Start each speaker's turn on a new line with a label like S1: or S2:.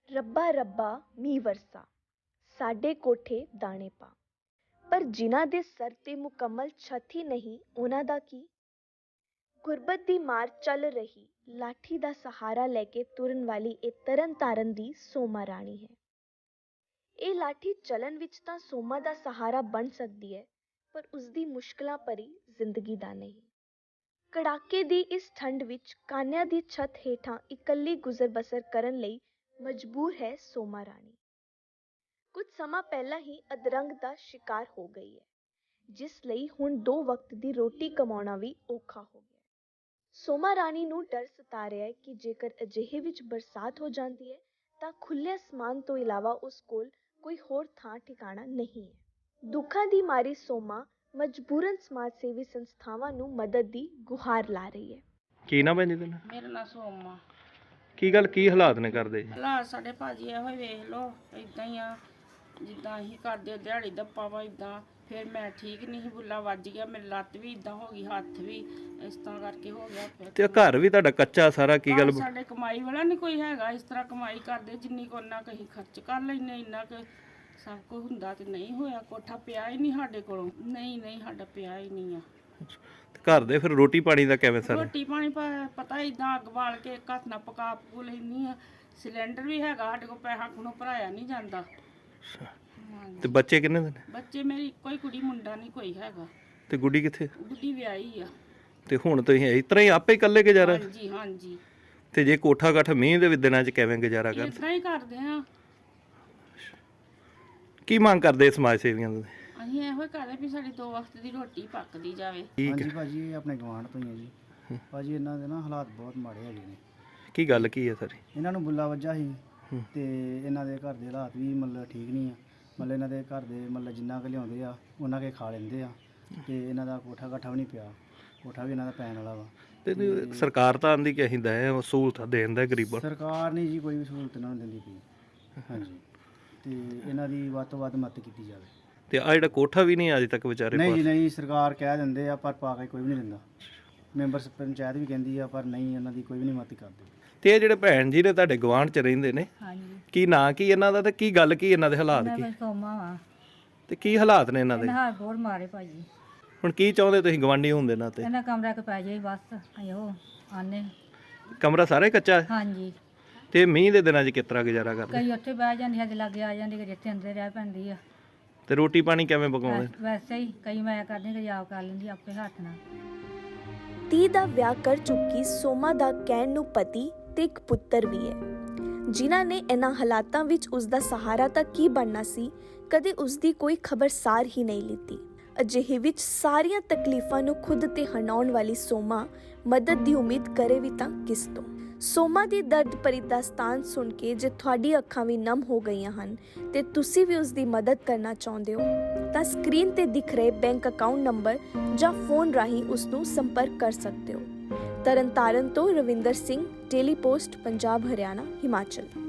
S1: ਰੱਬਾ ਰੱਬਾ ਮੀਂਹ ਵਰਸਾ ਸਾਡੇ ਕੋਠੇ ਦਾਣੇ ਪਾ। ਪਰ ਜਿਨ੍ਹਾਂ ਦੇ ਸਰ ਤੇ ਮੁਕੰਮਲ ਛੱਤ ਹੀ ਨਹੀਂ, ਉਹਨਾਂ ਦਾ ਕੀ? ਗੁਰਬਤ ਦੀ ਮਾਰ ਚੱਲ ਰਹੀ, ਲਾਠੀ ਦਾ ਸਹਾਰਾ ਲੈ ਕੇ ਤੁਰਨ ਵਾਲੀ ਇਹ ਤਰਨ ਤਾਰਨ ਦੀ ਸੋਮਾ ਰਾਣੀ ਹੈ। ਇਹ ਲਾਠੀ ਚੱਲਣ ਵਿੱਚ ਤਾਂ ਸੋਮਾ ਦਾ ਸਹਾਰਾ ਬਣ ਸਕਦੀ ਹੈ, ਪਰ ਉਸਦੀ ਮੁਸ਼ਕਲਾਂ ਭਰੀ ਜ਼ਿੰਦਗੀ ਦਾ ਨਹੀਂ। ਕੜਾਕੇ ਦੀ ਇਸ ਠੰਡ ਵਿੱਚ ਕਾਨਿਆਂ ਦੀ ਛੱਤ ਹੇਠਾਂ ਇਕੱਲੀ ਗੁਜ਼ਰ ਬਸਰ ਕਰਨ ਲਈ ਮਜਬੂਰ ਹੈ ਸੋਮਾ ਰਾਣੀ। ਕੁਝ ਸਮਾਂ ਪਹਿਲਾਂ ਹੀ ਅਧਰੰਗ ਦਾ ਸ਼ਿਕਾਰ ਹੋ ਗਈ ਹੈ, ਜਿਸ ਲਈ ਹੁਣ 2 ਵਕਤ ਦੀ ਰੋਟੀ ਕਮਾਉਣਾ ਵੀ ਔਖਾ ਹੋ ਗਿਆ। ਸੋਮਾ ਰਾਣੀ ਨੂੰ ਡਰ ਸਤਾ ਰਿਹਾ ਹੈ ਕਿ ਜੇਕਰ ਅਜਿਹੇ ਵਿੱਚ ਬਰਸਾਤ ਹੋ ਜਾਂਦੀ ਹੈ ਤਾਂ ਖੁੱਲ੍ਹੇ ਅਸਮਾਨ ਤੋਂ ਇਲਾਵਾ ਉਸ ਕੋਲ ਕੋਈ ਹੋਰ ਥਾਂ ਠਿਕਾਣਾ ਨਹੀਂ ਹੈ। ਦੁੱਖਾਂ ਦੀ ਮਾਰੀ ਸੋਮਾ ਮਜਬੂਰਨ ਸਮਾਜ ਸੇਵੀ ਸੰਸਥਾਵਾਂ ਨੂੰ ਮਦਦ ਦੀ ਗੁਹਾਰ ਲਾ ਰਹੀ ਹੈ।
S2: ਕੀ ਨਾ ਪੈਂਦੀ ਤੈਨੂੰ?
S3: ਮੇਰਾ ਨਾਂ ਸੋਮਾ।
S2: ਕੀ ਗੱਲ, ਕੀ ਹਾਲਾਤ ਨੇ ਕਰਦੇ ਜੀ?
S3: ਹਾਲਾਤ ਸਾਡੇ ਭਾਜੀ ਇਹੋ ਹੀ ਵੇਖ ਲਓ, ਇਦਾਂ ਹੀ ਆ ਜਿੱਦਾਂ ਅਸੀਂ ਕਰਦੇ ਦਿਹਾੜੀ ਦੱਪਾ ਵਾ ਇਦਾਂ। ਫਿਰ ਮੈਂ ਠੀਕ ਨਹੀਂ ਸੀ, ਬੁੱਲਾ ਵੱਜ ਗਿਆ, ਮੇਰੀ ਲੱਤ ਵੀ ਇਦਾਂ ਹੋ ਗਈ, ਹੱਥ ਵੀ ਇਸ ਤਰ੍ਹਾਂ ਕਰਕੇ ਹੋ ਗਿਆ।
S2: ਤੇ ਘਰ ਵੀ ਤੁਹਾਡਾ ਕੱਚਾ ਸਾਰਾ, ਕੀ ਗੱਲ?
S3: ਸਾਡੇ ਕਮਾਈ ਵਾਲਾ ਨਹੀਂ ਕੋਈ ਹੈਗਾ, ਇਸ ਤਰ੍ਹਾਂ ਕਮਾਈ ਕਰਦੇ ਜਿੰਨੀ ਕੋ ਉਹਨਾਂ ਕਹੀਂ ਖਰਚ ਕਰ ਲੈਂਦੇ, ਇੰਨਾ ਕੁ ਸਭ ਕੁਝ ਹੁੰਦਾ ਤੇ ਨਹੀਂ ਹੋਇਆ। ਕੋਠਾ ਪਿਆ ਹੀ ਨਹੀਂ ਸਾਡੇ ਕੋਲੋਂ, ਨਹੀਂ ਸਾਡਾ ਪਿਆ ਹੀ ਨਹੀਂ ਆ।
S2: ਘਰ ਦੇ ਫਿਰ ਰੋਟੀ ਪਾਣੀ ਦਾ ਕਿਵੇਂ ਸਰ?
S3: ਰੋਟੀ ਪਾਣੀ ਪਤਾ ਇਦਾਂ ਅੱਗ ਬਾਲ ਕੇ ਘੱਟ ਨਾ ਪਕਾ ਪਕੂ ਲੈਂਦੀ ਆ। ਸਿਲੰਡਰ ਵੀ ਹੈਗਾ ਸਾਡੇ ਕੋਲ, ਪੈਸਾ ਕੋਲੋਂ ਭਰਾਇਆ ਨਹੀਂ ਜਾਂਦਾ।
S2: ਤੇ ਬੱਚੇ ਕਿੰਨੇ ਨੇ?
S3: ਬੱਚੇ ਮੇਰੀ ਇੱਕੋ ਹੀ ਕੁੜੀ, ਮੁੰਡਾ ਨਹੀਂ ਕੋਈ ਹੈਗਾ।
S2: ਤੇ ਗੁੱਡੀ ਕਿੱਥੇ?
S3: ਗੁੱਡੀ ਵਿਆਹੀ ਆ।
S2: ਤੇ ਹੁਣ ਤੁਸੀਂ ਇਸ ਤਰ੍ਹਾਂ ਹੀ ਆਪੇ ਇਕੱਲੇ ਗੁਜ਼ਾਰਾ?
S3: ਹਾਂਜੀ।
S2: ਤੇ ਜੇ ਕੋਠਾ ਕੱਠ ਮੀਂਹ ਦੇ ਦਿਨਾਂ 'ਚ ਕਿਵੇਂ ਗੁਜ਼ਾਰਾ ਕਰਦੇ?
S3: ਇਸ ਤਰ੍ਹਾਂ ਹੀ ਕਰਦੇ ਆ।
S2: ਕੀ ਮੰਗ ਕਰਦੇ ਸਮਾਜ ਸੇਵੀਆਂ ਤੋਂ?
S3: ਅਸੀਂ ਇਹੋ ਹੀ ਕਰਦੇ ਵੀ ਸਾਡੀ 2 ਵਕਤ ਦੀ ਰੋਟੀ ਪੱਕਦੀ ਜਾਵੇ।
S4: ਹਾਂਜੀ ਭਾਜੀ, ਇਹ ਆਪਣੇ ਗਵਾਂਢ ਤੋਂ ਹੀ ਹੈ ਜੀ। ਭਾਜੀ ਇਹਨਾਂ ਦੇ ਨਾ ਹਾਲਾਤ ਬਹੁਤ ਮਾੜੇ ਹੈਗੇ ਨੇ।
S2: ਕੀ ਗੱਲ ਕੀ ਹੈ ਸਰ?
S4: ਇਹਨਾਂ ਨੂੰ ਬੁੱਲਾ ਵੱਜਾ ਸੀ ਤੇ ਇਹਨਾਂ ਦੇ ਘਰ ਦੇ ਹਾਲਾਤ ਵੀ ਮਤਲਬ ਠੀਕ ਨਹੀਂ ਆ। ਮਤਲਬ ਇਹਨਾਂ ਦੇ ਘਰ ਦੇ ਮਤਲਬ ਜਿੰਨਾ ਕੁ ਲਿਆਉਂਦੇ ਆ ਉਹਨਾਂ ਕੇ ਖਾ ਲੈਂਦੇ ਆ, ਤੇ ਇਹਨਾਂ ਦਾ ਕੋਠਾ ਕਾਠਾ ਵੀ ਨਹੀਂ ਪਿਆ। ਕੋਠਾ ਵੀ ਇਹਨਾਂ ਦਾ ਪੈਣ ਵਾਲਾ ਵਾ।
S2: ਤੇ ਸਰਕਾਰ ਤਾਂ ਆਂਦੀ ਕਿ ਅਸੀਂ ਦੇ ਸਹੂਲਤਾਂ ਦੇਣ ਦਾ ਗਰੀਬਾਂ।
S4: ਸਰਕਾਰ ਨਹੀਂ ਜੀ ਕੋਈ ਵੀ ਸਹੂਲਤ ਇਹਨਾਂ ਨੂੰ ਦਿੰਦੀ ਪਈ। ਹਾਂਜੀ, ਤੇ ਇਹਨਾਂ ਦੀ ਵੱਧ ਤੋਂ ਵੱਧ ਮਦਦ ਕੀਤੀ ਜਾਵੇ।
S2: ਤੇ ਆ ਜਿਹੜਾ ਕੋਠਾ ਵੀ ਨਹੀਂ ਅਜੇ ਤੱਕ ਵਿਚਾਰੇ?
S4: ਨਹੀਂ ਜੀ ਨਹੀਂ, ਸਰਕਾਰ ਕਹਿ ਦਿੰਦੇ ਆ ਪਰ ਪਾ ਕੇ ਕੋਈ ਵੀ ਨਹੀਂ ਦਿੰਦਾ। ਮੈਂਬਰ ਪੰਚਾਇਤ ਵੀ ਕਹਿੰਦੀ ਆ ਪਰ ਨਹੀਂ, ਇਹਨਾਂ ਦੀ ਕੋਈ ਵੀ ਨਹੀਂ ਮਦਦ ਕਰਦੇ।
S2: ਤੇ ਇਹ ਜਿਹੜੇ ਭੈਣ ਜੀ ਨੇ ਤੁਹਾਡੇ ਗਵਾਂਢ 'ਚ ਰਹਿੰਦੇ ਨੇ,
S5: ਹਾਂਜੀ,
S2: ਕੀ ਨਾਂ ਕੀ ਇਹਨਾਂ ਦਾ, ਤੇ ਕੀ ਗੱਲ ਕੀ ਇਹਨਾਂ ਦੇ ਹਾਲਾਤ ਕੀ?
S5: ਮੈਂ ਸੋਮਾ ਵਾ।
S2: ਤੇ ਕੀ ਹਾਲਾਤ ਨੇ ਇਹਨਾਂ ਦੇ?
S5: ਇਹਨਾਂ ਹਾਰ ਬਹੁਤ ਮਾਰੇ ਭਾਜੀ।
S2: ਹੁਣ ਕੀ ਚਾਹੁੰਦੇ ਤੁਸੀਂ ਗਵਾਂਢੀ ਹੁੰਦੇ ਨਾ? ਤੇ
S5: ਇਹਨਾਂ ਕਮਰਾ ਕ ਪੈ ਜਾਈ ਬਸ, ਆਇਓ ਆਨੇ।
S2: ਕਮਰਾ ਸਾਰਾ ਹੀ ਕੱਚਾ ਹੈ?
S5: ਹਾਂਜੀ,
S2: ਤੇ ਮੀਂਹ ਦੇ ਦਿਨਾਂ 'ਚ ਕਿਸ ਤਰ੍ਹਾਂ ਗੁਜ਼ਾਰਾ ਕਰਦੇ?
S5: ਕਈ ਉੱਥੇ ਬਹਿ ਜਾਂਦੀ, ਸਾਡੇ ਲਾਗੇ ਆ ਜਾਂਦੀ, ਕਿ ਜਿੱਥੇ ਅੰਦਰ ਰਹਿ ਪੈਂਦੀ ਆ।
S2: ਤੇ ਰੋਟੀ ਪਾਣੀ ਕਿਵੇਂ ਪਕਾਉਂਦੇ?
S5: ਵੈਸੇ ਹੀ ਕਈ ਮੈਂ ਕਰਦੀ, ਕਈ ਆਪ ਕਰ ਲੈਂਦੀ ਆਪੇ ਹੱਥ ਨਾਲ।
S1: 30 ਦਾ ਵਿਆਹ ਕਰ ਚੁੱਕੀ ਸੋਮਾ ਦਾ ਕਹਿਣ ਨੂੰ ਪਤੀ ਤੇ ਇੱਕ ਪੁੱਤਰ ਵੀ ਹੈ, ਜਿਨ੍ਹਾਂ ਨੇ ਇਹਨਾਂ ਹਾਲਾਤਾਂ ਵਿੱਚ ਉਸ ਦਾ ਸਹਾਰਾ ਤਾਂ ਕੀ ਬਣਨਾ ਸੀ, ਕਦੇ ਉਸ ਦੀ ਕੋਈ ਖਬਰਸਾਰ ਹੀ ਨਹੀਂ ਲਿੱਤੀ। ਅਜਿਹੇ ਵਿੱਚ ਸਾਰੀਆਂ ਤਕਲੀਫਾਂ ਨੂੰ ਖੁਦ ਤੇ ਹੰਡਾਉਣ ਵਾਲੀ ਸੋਮਾ ਮਦਦ ਦੀ ਉਮੀਦ ਕਰੇ ਵੀ ਤਾਂ ਕਿਸ ਤੋਂ? ਸੋਮਾ ਦੀ ਦਰਦ ਭਰੀ ਦਾਸਤਾਨ ਸੁਣ ਕੇ ਜੇ ਤੁਹਾਡੀ ਅੱਖਾਂ ਵੀ ਨਮ ਹੋ ਗਈਆਂ ਹਨ ਤੇ ਤੁਸੀਂ ਵੀ ਉਸ ਦੀ ਮਦਦ ਕਰਨਾ ਚਾਹੁੰਦੇ ਹੋ ਤਾਂ ਸਕਰੀਨ ਤੇ ਦਿਖ ਰਹੇ ਬੈਂਕ ਅਕਾਊਂਟ ਨੰਬਰ ਜਾਂ ਫੋਨ ਰਾਹੀਂ ਉਸ ਨੂੰ ਸੰਪਰਕ ਕਰ ਸਕਦੇ ਹੋ। ਤਰਨਤਾਰਨ ਤੋਂ ਰਵਿੰਦਰ ਸਿੰਘ, ਡੇਲੀ ਪੋਸਟ, ਪੰਜਾਬ, ਹਰਿਆਣਾ, ਹਿਮਾਚਲ।